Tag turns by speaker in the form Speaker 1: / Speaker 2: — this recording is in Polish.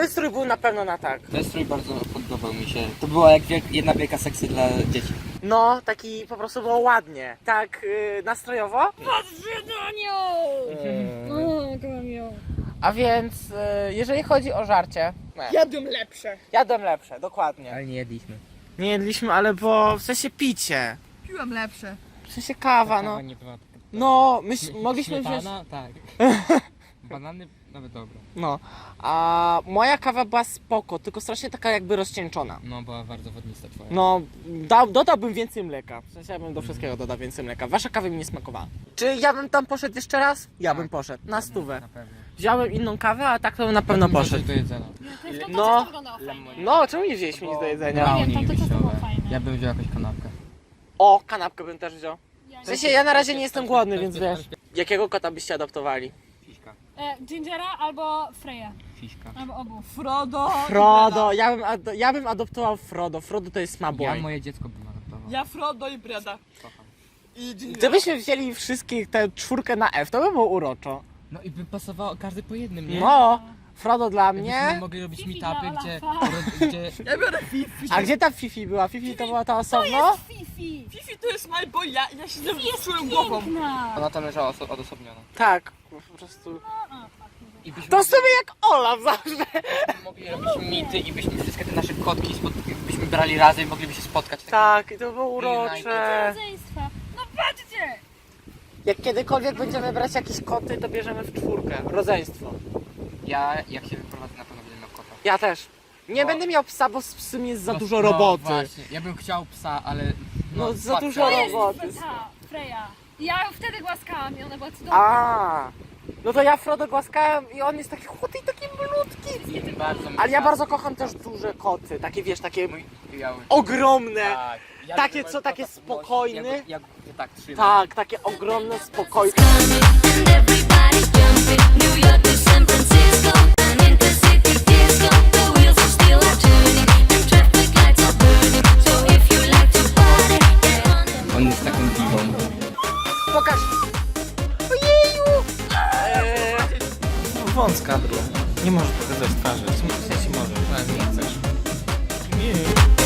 Speaker 1: ten strój był na pewno na tak.
Speaker 2: Ten strój bardzo podobał mi się. To była jak jedna wielka sekcja dla dzieci.
Speaker 1: No, taki po prostu było ładnie. Tak nastrojowo.
Speaker 3: Patrzcie na nią! O, kocham ją.
Speaker 1: A więc jeżeli chodzi o żarcie,
Speaker 3: Jadłem lepsze.
Speaker 1: jadłem lepsze, dokładnie.
Speaker 2: Ale nie jedliśmy.
Speaker 1: Nie jedliśmy, ale bo w sensie picie.
Speaker 3: Piłem lepsze.
Speaker 1: W sensie kawa, no.
Speaker 2: Nie była taka...
Speaker 1: No, mogliśmy wziąć...
Speaker 2: Śmietana? Tak. Banany? Nawet dobre.
Speaker 1: No, a moja kawa była spoko, tylko strasznie taka jakby rozcieńczona.
Speaker 2: No, była bardzo wodnista twoja.
Speaker 1: No, dodałbym więcej mleka. W sensie ja bym do wszystkiego dodał więcej mleka. Wasza kawa mi nie smakowała. Czy ja bym tam poszedł jeszcze raz? Ja bym poszedł, na stówę.
Speaker 2: Na pewno.
Speaker 1: Wziąłem inną kawę, a tak to bym na pewno poszedł.
Speaker 2: do jedzenia.
Speaker 1: No,
Speaker 3: fajnie.
Speaker 1: no, czemu nie wzięliśmy nic do jedzenia?
Speaker 3: Nie wiem, tam to ciasto było fajne.
Speaker 2: Ja bym wziął jakąś kanapkę.
Speaker 1: O, kanapkę bym też wziął. W sensie ja na razie nie jestem głodny, więc wiesz. Jakiego kota byście adoptowali?
Speaker 2: Fiśka.
Speaker 3: Gingera albo Freya.
Speaker 2: Fiśka.
Speaker 3: Albo obu. Frodo.
Speaker 1: Frodo, ja bym adoptował Frodo. Frodo to jest
Speaker 2: Ja
Speaker 1: smaboy.
Speaker 2: moje dziecko bym adoptował.
Speaker 4: Ja Frodo i Breda.
Speaker 2: Kocham.
Speaker 4: I Ginger.
Speaker 1: Gdybyśmy wzięli wszystkich tę czwórkę na F, to by było uroczo.
Speaker 2: No i by pasowało każdy po jednym, nie?
Speaker 1: No, Frodo dla
Speaker 2: Jakbyśmy
Speaker 1: mnie.
Speaker 2: mogli robić
Speaker 3: Fifi
Speaker 2: meetupy,
Speaker 3: dla
Speaker 2: gdzie...
Speaker 3: Olafa.
Speaker 2: gdzie...
Speaker 4: Ja biorę Fifi.
Speaker 1: A gdzie ta Fifi była? Fifi to była ta osobno?
Speaker 3: Fifi.
Speaker 4: Fifi to jest my boy, ja siedzę
Speaker 3: Jest
Speaker 4: swoją głową.
Speaker 3: piękna.
Speaker 2: Ona tam leżała odosobniona.
Speaker 1: Tak, po prostu.
Speaker 2: I byśmy
Speaker 1: To sobie jak Olaf zawsze.
Speaker 2: mogli robić mity i byśmy wszystkie te nasze kotki byśmy brali razem i mogliby się spotkać.
Speaker 1: Tak, i to było urocze.
Speaker 3: Rodzeństwa. No patrzcie.
Speaker 1: Jak kiedykolwiek będziemy brać jakieś koty, to bierzemy w czwórkę. Rodzeństwo.
Speaker 2: Ja, jak się wyprowadzę, na pewno będę miał kota.
Speaker 1: Ja też. Nie
Speaker 2: No.
Speaker 1: będę miał psa, bo z psem jest za
Speaker 2: No,
Speaker 1: dużo
Speaker 2: no
Speaker 1: roboty.
Speaker 2: Właśnie. Ja bym chciał psa, ale...
Speaker 1: No, za
Speaker 2: patrzę.
Speaker 1: dużo
Speaker 3: To jest
Speaker 1: roboty.
Speaker 3: ta Freya. Ja ją wtedy głaskałam i ona była cudowna.
Speaker 1: A, no to ja Frodo głaskałem i on jest taki chudy i taki malutki.
Speaker 2: Bardzo
Speaker 1: Ale ja bardzo kocham też duże koty. Takie wiesz, takie
Speaker 2: Mój biały.
Speaker 1: ogromne.
Speaker 2: Tak. Ja
Speaker 1: Takie,
Speaker 2: bym
Speaker 1: co,
Speaker 2: kota
Speaker 1: takie
Speaker 2: podnosił,
Speaker 1: spokojne?
Speaker 2: Ja go tak trzymam.
Speaker 1: Tak, takie ogromne, spokojne.
Speaker 5: And everybody's jumping. New York to San Francisco, an intercity disco. The wheels of steel are turning, and traffic lights are burning. So if you like to party, get on the
Speaker 2: On jest taką diwą.
Speaker 1: Pokaż. Ojeju. Wąska. Nie możesz pokazać twarzy. W sensie możesz. Nie chcesz. Nie.